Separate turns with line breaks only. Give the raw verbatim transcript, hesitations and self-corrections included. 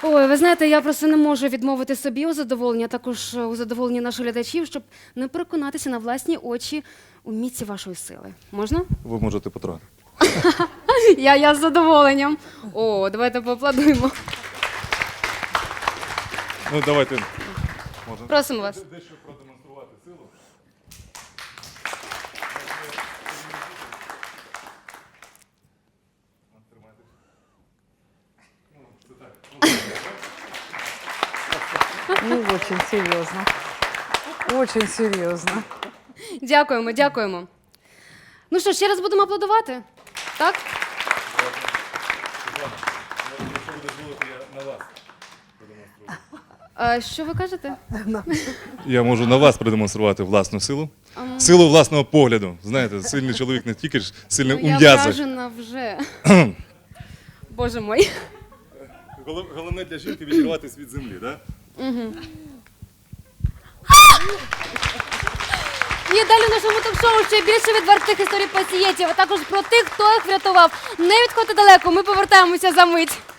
Ой, ви знаєте, я просто не можу відмовити собі у задоволенні, а також у задоволенні наших глядачів, щоб не переконатися на власні очі у міці вашої сили. Можна?
Ви можете потрапити.
Я, я з задоволенням. О, давайте поаплодуємо.
Ну, давайте. Можна.
Просимо вас.
Дещо продемонструвати силу.
Ну, очень серьезно. Очень серьезно.
Дякуємо, дякуємо. Ну що, ще раз будемо аплодувати? Так?
Світлана, якщо ви дозволите, я на вас продемонструю.
А, що ви кажете?
Я можу на вас продемонструвати власну силу. Силу власного погляду. Знаєте, сильний чоловік не тільки ж сильний
Ну,
у
я
м'язах.
вражена вже. Боже мой.
Голов- Головне для жінки відірватися від землі, так?
І далі в нашому ток-шоу ще більше відвертих історій пацієнтів, а також про тих, хто їх врятував. Не відходьте далеко, ми повертаємося за мить.